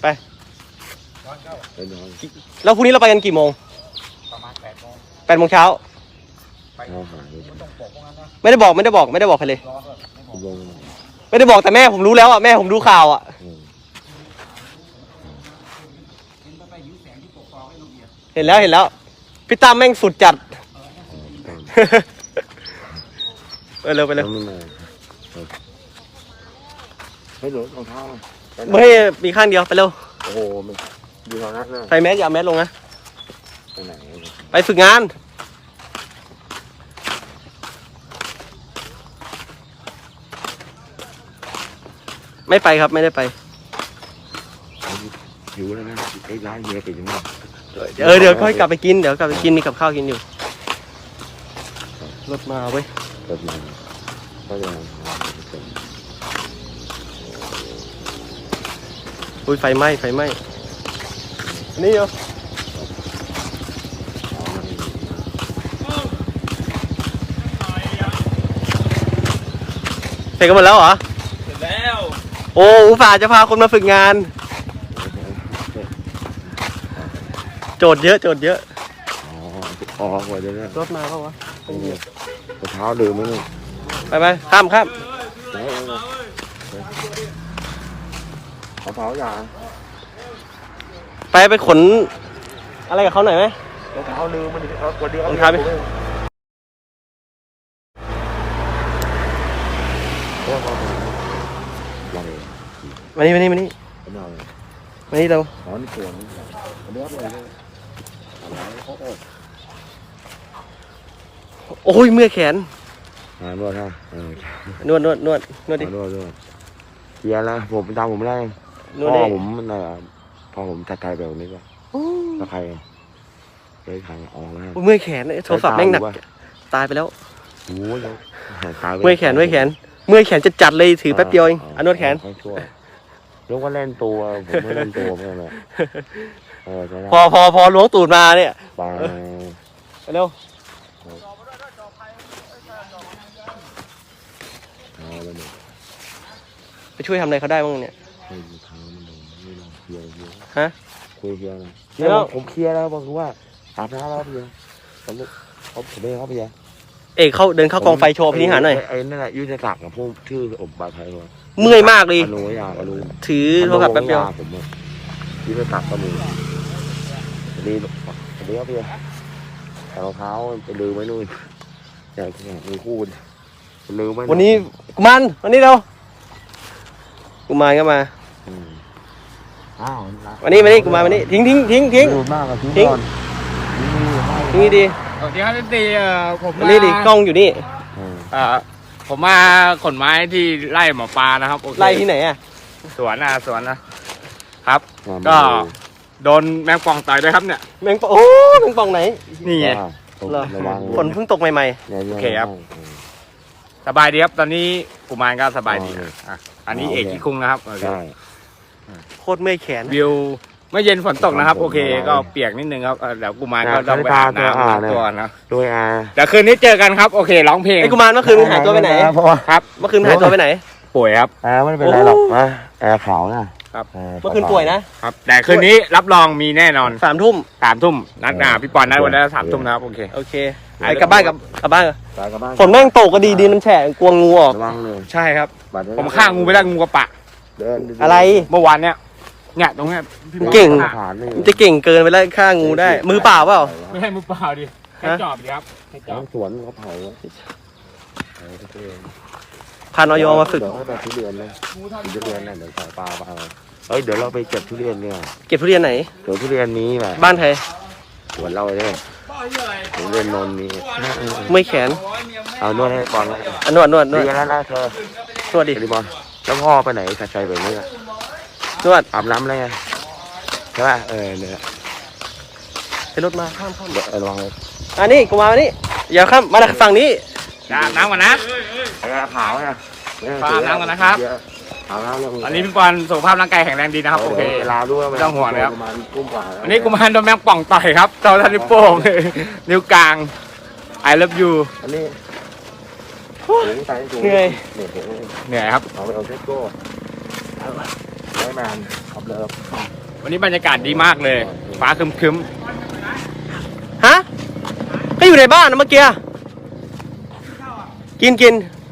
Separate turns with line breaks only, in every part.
ไปแล้วพรุ่งนี้เราไปกันกี่โมงประมาณ8 โมงเช้าไม่ได้บอกใครเลยไม่ได้บอกแต่แม่ผมรู้แล้วอ่ะแม่ผมดูข่าวอ่ะเห็นแล้วพี่ตั้มแม่งสุดจัดไปเร็ว
ไม่หลุดรองเท้า
ไม่มีข้างเดียวไปเร็ว
โอ้โหมันอยู่ตรงนั้นนะ
ใส่แมสอย่าแมสลงนะ
ไปไหน
ไปฝึกงานไม่ไปครับไม่ได้ไป
หิวแล้วนะไอ้ร้านเฮียปิดยังไง
เดี๋ยวค่อยกลับไปกินมีกับข้าวกินอยู่รถมาเว้ย
รถมาก็จะ
อุ้ยไฟไหม้นี่เหรอเสร็จกันหมดแล้วเหรอ
เสร็จแล้ว
โอ้อุตส่าห์จะพาคนมาฝึกงานโจทย์เยอะ
อ๋อหัวเดี๋ยว
รถมาเปล่าวะ
รองเท้าดื่มไหมเนี่ย
ไปข้าม
รองเท้าอย่า
ไปขนอะไรกับเขาหน่อยไหม
รองเท้าลืมมันวันเดียว
รองเท้าไปมานี่เรา
อ๋อนี่สวนเลือกเลย
โอ้ยเมื่อยแขน
นวดฮะ
นวดดิ
นวดเฮียแล้วผมตามผมได้พ่อผมมันพอผมจัดการแบบนี้ก็แล้วใครเลยใครออกแล้ว
เมื่อยแขนโทรศัพท์แม่งหนักตายไปแล้ว
โอ้ย
เมื่อยแขนจะจัดเลยถือแป๊บเดียวเองนวดแขน
ยกว่าเล่นตัวผมไม่เล่นตัวไม่เลย
พอล้วงตูดมาเนี่ย
ไป
เร็วไปช่วยทำอะไรเขาได้บ้างเนี่ยฮะ
คุยเคลียร์นะผมเคลียร์แล้วบอกว่าอาบน้ำแล้วพี่ผมไม่เข้าพี่
เอกเขาเดินเข้ากองไฟโชว์พินิหารหน่อย
ไอ้นั่นแหละยุทธศักดิ์กับพวกชื่ออบบาไทยว่า
เมื่อยมากเลย
รู้
ถือโทรศัพท์แป๊บเดียว
ผมยุทธศักดิ์ก็มีดีครับพี่แต่รองเท้าไปลืมไว้นู่นอยากมีคู่ลืมไว้
วันนี้วันนี้เรากุมารก็มาวันนี้วันนี้ทิ้ง
มากทิ้ง
ดี
สวัสดีครับพี่ตีผม
นี่ดิกล้องอยู่นี่
ผมมาขนไม้ที่ไร่หมอปลานะครับ
ไร่ที่ไหนอ่ะ
สวนนะครับก็โดนแมงป่องต่อยด้วยครับเนี่ย
แมงป่องไหน
นี่ไง
ฝนเพิ่งตกใหม่
ๆโอเคครับสบายดีครับตอนนี้กุมารก็สบายดีอันนี้เอกที่คุ้งนะครับ
โคตรเมื่อยแขน
วิวเมื่อเย็นฝนตกนะครับโอเคก็เปียกนิดนึงครับเดี๋ยวกุมารก็ต้องไปอาบน้ำตัวนะ
ด้วย
เดี๋ยวคืนนี้เจอกันครับโอเคร้องเพลง
ไอ้กุมารเมื่อคืนหายตัวไปไหน
ครับ
เมื่อคืนหายตัวไปไหน
ป่วยครับ
ไม่เป็นไรหรอกแอร์ขาวนะครับ
เมื่อคืนป่วยนะครับ
แต่คืนนี้รับรองมีแน่นอน
3 ทุ่ม
นัดพี่ปอนนัดวันนั้น3 ทุ่มนะครับโอเค
ไอ้กลับบ้านฝนแม่งตกก็ดีมันแฉะกลัวงูออก
ใช่ครับผมฆ่างูไม่ได้งูกระปะ
อะไร
เมื่อวานเนี่ยตรงนี้
เก่งจะเก่งเกินไปแล้วฆ่างูได้มือเปล่าเปล่า
ไม่ใช่มือเปล่าดิให้จอบดิครับให้จอบ
สวนเขาเผา
พานอยมาฝึก
ทุเรียนเลยทุเรียนเดี๋ยวสายปลาเดี๋ยวเราไปเก็บทุเรียนเนี่ย
เก็บทุเรียนไหน
ทุเรียนนี้แหละ
บ้านใคร
สวนเราเนี่ยทุเรียนนนนี้
ไม่แขน
เอานวดให้บอลเลย
นวด
ดีแล้วนะเธอน
วดดิ
บอลแล้วพ่อไปไหนกระจายแบบนี้
นวด
อาบน้ำอะไรใช่ป่ะเนี่ย
ไปรถมาข้าม
ระวังเลย
นี่กูมานี่อย่าข้ามมาฝั่งนี้
อาบน้ำก่อนนะ
ขาวนะ
อาบน้ำก่อนนะครับอันนี้พี่ปอนสุขภาพร่างกายแข็งแรงดีนะครับโอเค
ลาด้วย
ไม่ต้องห่วงนะครับอันนี้กุมารโดนแมงป่องต่อยครับเจ้าท่านนิ้วโป้งนิ้วกลาง I love you
อันนี้
เหนื่อย
ครับ
เอาเซ็ตโก้แมนขับเลิฟ
วันนี้บรรยากาศดีมากเลยฟ้าครึ้ม
ฮะก็อยู่ในบ้านนะเมื่อกี้กิน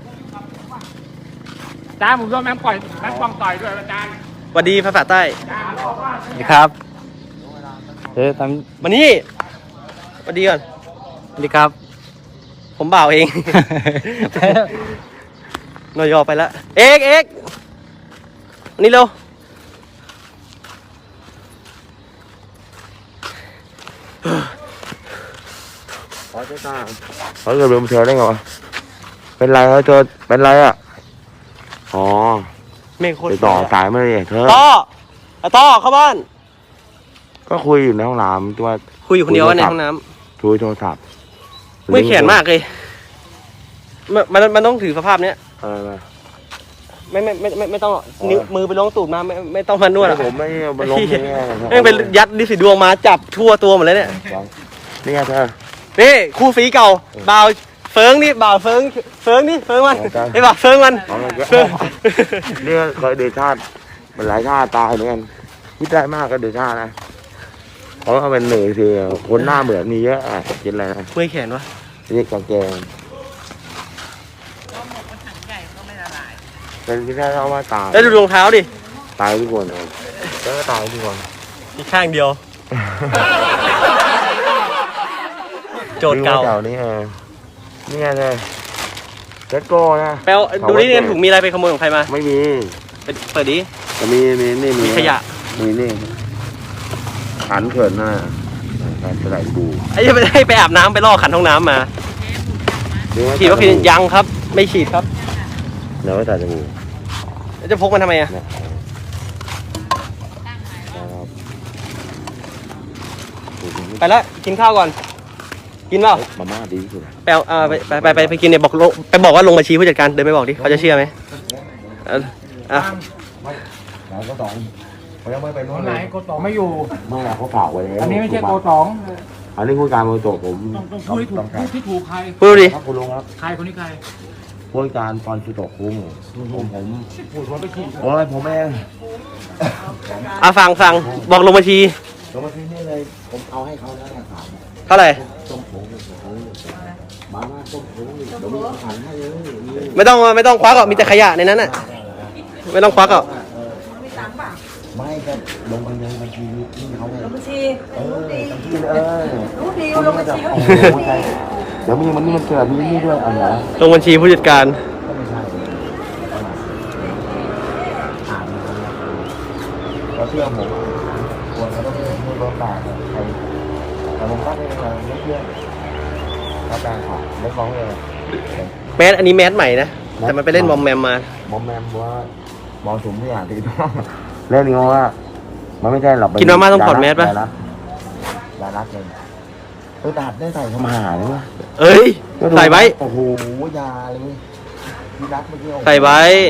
ๆจ้าผมโดนแมงป่องต่อยด้วยอาจารย์
สวัสดีภาษาใต้
นี่ครับท
มานี่สวัสดีก่อน
ำนี่ครับ
ผมบ่าวเอง นอยอไปแล้ว เอกอันนี้เร็ว
เขาจะตามเขาจะลืมเธอได้ไงวะเป็นไรเขาเธอเป็นไรอ่ะอ๋อ
เมฆโคตร
ไปต่อสายมาเลยเธอ
ต่อเข้าบ้าน
ก็คุยอยู่ในห้องน้ำตัว
คุยอยู่คนเดียวในห้องน้ำ
คุยโทรศัพท์
เมื่อยแขนมากเลยมันต้องถือสภาพเนี้ย
อะไรมา
ไม่ต้องนิ้วมือไปล้วงตูดมาไม่ต้องมานวดหรอก
ผมไม่เอามาล้มอย่างเงี้ย
แม่งไปยัดดิสิดวงมาจับทั่วตัวหมดเลยเนี่ย
นี่ไงเธอ
นี่คู่ฝีเก่าบ่าวเฟิงนี่บ่าวเฟิงนี่เฟิงมัน
โอเค
ไอ้บ่าวเฟิงมัน
เอามา
เฟิง
เนี่ยเคยเดชาติมันหลายชาติตายเหมือนกันคิดได้มากก็เดชาตินะเพราะว่ามันเหนื่อยสิคนหน้าเหมือนมีเยอะอ่ะกินอะไรนะ
เมื่อยแขนวะ
นี่กางเกงเป็นที่ได้เล่าว่าตาย
แล้วดูรองเท้าดิ
ตายทุกคนเลยแล้วก็ตายทุกคน
อีกข้างเดียว โจทย์เก่า
นี่นี่ไงเลยเจ็ดโก้นะ
แปลว่าดูนี่เนี่ยถุงมีอะไรไปขโมยของใครมา
ไม่มี
เปิดดิ
แต่มีนี่
มีขยะ
มีนี่ขันเขินหน้าการใส่บู
ไอ้จะไม่ได้ไปอาบน้ำไปล่อขันห้องน้ำมาฉีดวัคซีนยังครับ ไม่ฉีดครับ
เดี๋ยวไว้ใส่จมูก
แล้วจะพกมันทำไมอ่ะ
นะ
ไปแล้วกินข้าวก่อน กินเปล่า
มาม่าดีที่สุด
ไปเอาไปกินเนี่ยบอกว่าลงบัญชีผู้จัดการเดินไปบอกดิเขาจะเชื่อไหมอ่ะ
ไหนก็สองเขายังไม่ไปนู้น
ไหน
เลย
โกตองไม่อยู่
ไม่ละเขาฝากไว้แล้ว
อันนี้ไม่ใช่โกตอง
อันนี้ผู้การมรดกผม
ต้องพูดให้ถูกพูดที่ถูกใคร
พูดดูดิ
ครับคุณลุงครับ
ใครคนนี้ใคร
ผู้การตอนสุดตกคุ้งผม
พูดว่าไปขี้
โอ้ยผมเอง
ฟังบอกลงบัญชี
ลงมาที่นี่เลยผมเอาให้เขาแล้วนะครับ
เท่าไหร่
ต้มผงมาม่าต้มผงเดี๋ยวมีอาหารให้เลย
ไม่ต้องควักหรอกมีแต่ขยะในนั้นน่ะไม่ต้องควักหรอก
ไม่ก็ลงไปเลยบัญชีนี่เขาเลย
บัญชี
บัญชี
รู้ดีลงบัญชีเขา
เดี๋ยวมีมันนี่มันเกิดมีนี่ด้วยอะไรนะ
ลงบัญชีผู้จัดการ
ก็ไม่ใช่อ่านเขาเชื่อผมควรเขาต้องไม่ร้อนปากใครแต่ผมก็ไม่เชื่อเขาแปลงของไม่ฟ้องเลย
แมสอันนี้แมสใหม่นะแต่มันไปเล่นมอมแมมมา
มอมแมมว่ามองสุมที่อ่านตีต้องเล่นนี้ว่ามันไม่ใช่หรอก
กินมาม่าต้องถอดแมสป่ะ
ยารักเลยตัดได้ใส่เข้ามาหาเลยวะ
เอ้ยใส่ไว้
โอ้โหยาเลยพี่รักเมื่อกี้
ใส่ไว้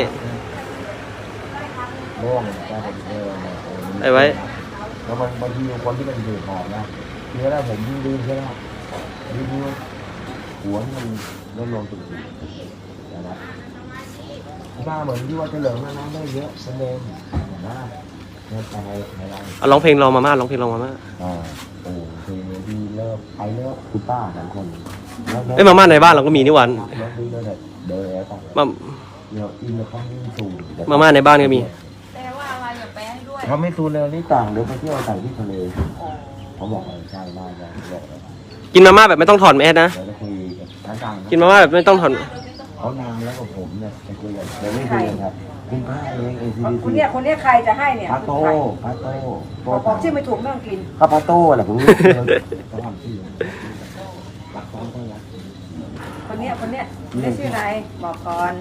โล่งแกผม
ใส่ไว้
แล้วมันบางทีคนที่เป็นดื่มหอมนะทีแรกผมดื่มใช่ไหมดื่มหัวมันเริ่มลงตุ่มนะบ้าเหมือนที่ว่าเฉลิมน้ำได้เยอะเป็นเองนะเนี่ยอะไร
เอาร้องเพลงรอมาม่าร้องเพลงรอมาม่า
โอ้คือดีเลิกไปเลิกคุณป้าสองคน
เอ้ยมาม่าในบ้านเราก็มีนี่หวัน
แล้วดีเลยเดินแล้วต้อง
มา
เดี๋ยวอินแล้วเขาไม่สูง
มาม่าในบ้านก็มี
แปลว่าอะไรอย่าแปลให้ด้วย
เขาไม่สูงเลยนี่ต่างเดี๋ยวไปเที่ยวต่างที่ทะเลเขาบอกใช่ได้เลยบอกเลย
กินมาม่าแบบไม่ต้องถอดแมสนะ
เดี๋ยวจะคุยกับทาง
กินมาม่าแบบไม่ต้องถอด
เขานานแล้วกับผมเนี่ยไปคุยกันเดี๋ยวไม่คุยกันครับคุณป้าเองACDC
คนเนี้ยใครจะให้เนี่ย
พาโต้
บอกชื่อไม่ถูกไม่ต้องกิน
ข้าพาโต้แหละผมรู้เขาทำชื่อรักต้องรัก
คนเนี้ยได้ชื่ออะไรบอกก่อน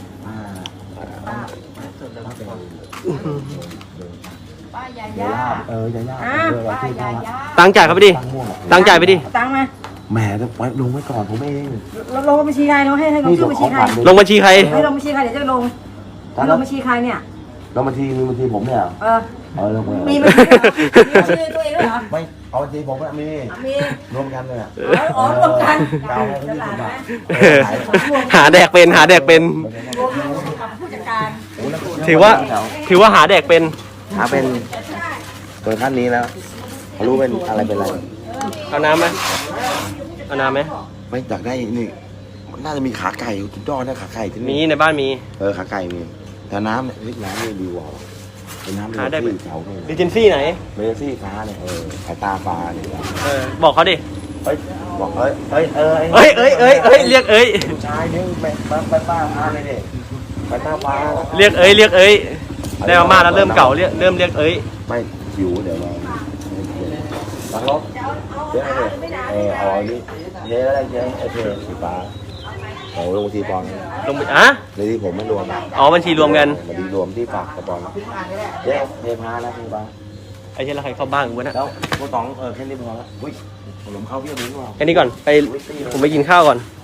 ป้ายาย่า
ยาย่า
ป้ายาย่า
ตังค์จ่ายเขาไปดิตังค์จ่ายไปดิ
ตังค์มา
แหมจะไว้ลงไว้ก่อนผมเอง
ลงบัญชีใครเนาะให้ลงชื่อบัญชีใคร
ลงบัญชีใคร
ให้ลงบัญชีใครเดี๋ยวจะลงบัญชีใครเนี่ย
ลงบัญชีมีบัญชีผมเนี่ย ลงไป
มีบัญชีตัวเองด้วยเหรอ
ไม่เอาบัญชีผมอะมี
มี
รวมกันเลยอะ
อ๋อรวมกัน
เอาให้
ต
เขา
ลาด
20
นะ
บาท
หาแดกเป็น
รวมกับผู้จัดการ
ถือว่าหาแดกเป็น
หาเป็นตัวท่านนี้แล้วเขารู้เป็นอะไรเป็นอะไร
เอาน้ำไหมเอาน้ำไหม
ไม่อยากได้นี่น่าจะมีขาไก่สุดยอดนะขาไก่ที่
มี
นี่
ในบ้านมี
ขาไก่มีแต่น้ำเนี่ยน้ำนี่ดีกว่าเป็นน้ำ
หาได้ไหม
ที่เขาเนี่ย
ดิจินซี่ไหน
เมสซี่ฟ้าเนี่ยสายตาฟ้าเนี่ย
บอกเขาดิ
เฮ้ยบอกเฮ้ยเฮ้ย
เอ้ยเรียกเอ้ย
ผู้ชายนี่ไปป้าฟ้าเลยเนี่ยไปตาฟ้า
เรียกเอ้ยได้มาม่าแล้วเริ่มเก่าเริ่มเรียกเอ้ย
ไม่หิวเดี๋ยวรอตังรถเจ๊เลยเอาอันนี้เจ๊อะไรเจ๊ไอเทสีฟ้าโอ้ลงทีปอน
ลงไปอ่ะ
ในที่ผมไม่รวม
อ๋อบัญชีรวมกัน
บัญชีรวมที่ฝากกระปอนเจ๊เทพานะพี่ป้า
ไอ้เช่นแล้วใครเข้าบ้านกูวะนะ
แล้วพวกต๋องแค่นี้พอแล้วอุ้ยผมเข้าพี่มิ้นว่ะ
แค่นี้ก่อนไปผมไปกินข้าวก่อน
เ